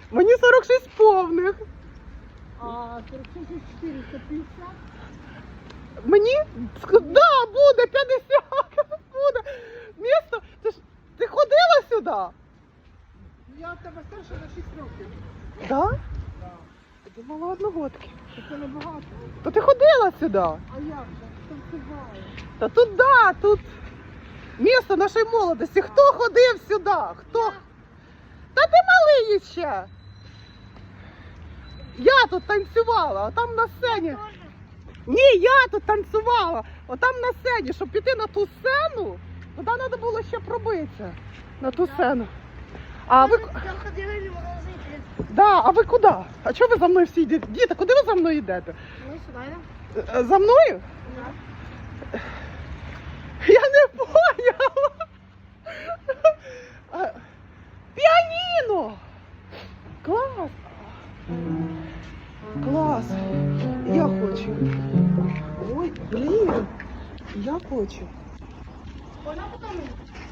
Мені 46 повних. А 450? Мені? Да, буде 50. Буде. Місто, ти ходила сюди? Я в тебе старша на 6 років. Да? Так. Я думала одногодки. Це небагато. То ти ходила сюди? А як же? Танцюваю. Та тут, да, тут місто нашої молодості. Хто ходив сюди? Хто? Та ти малий ще. Я тут танцювала, а там на сцені. Ні, я тут танцювала. Отам на сцені, щоб піти на ту сцену, туди треба було ще пробитися. На ту сцену. А ви, Там ходили в магазин. да, а ви куди? А чого ви за мною всі йдете? Діти, куди ви за мною йдете? Ми сюди, да? За мною? Да. Я не поняла. А, Піаніно! Клас! Клас! Я хочу. Ой, блін! Я хочу. Вона потім.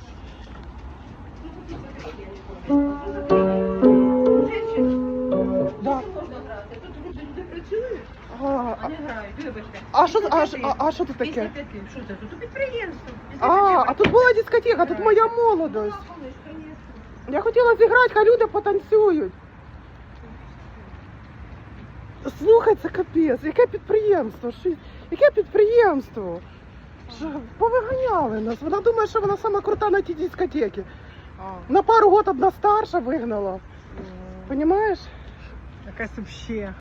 Да. Можна грати. Тут люди працюють, А, а не грають. Вибачте. а що тут таке? 55. Що це? Тут підприємство. А тут була дискотека, тут моя молодость. Я хотіла зіграти, хай люди потанцюють. Слухай, це капець, яке підприємство? Яке підприємство? Що, повиганяли нас. Вона думає, що вона сама крута на тій дискотеці. На пару років одна старша вигнала. Понімаєш? Якась вообще.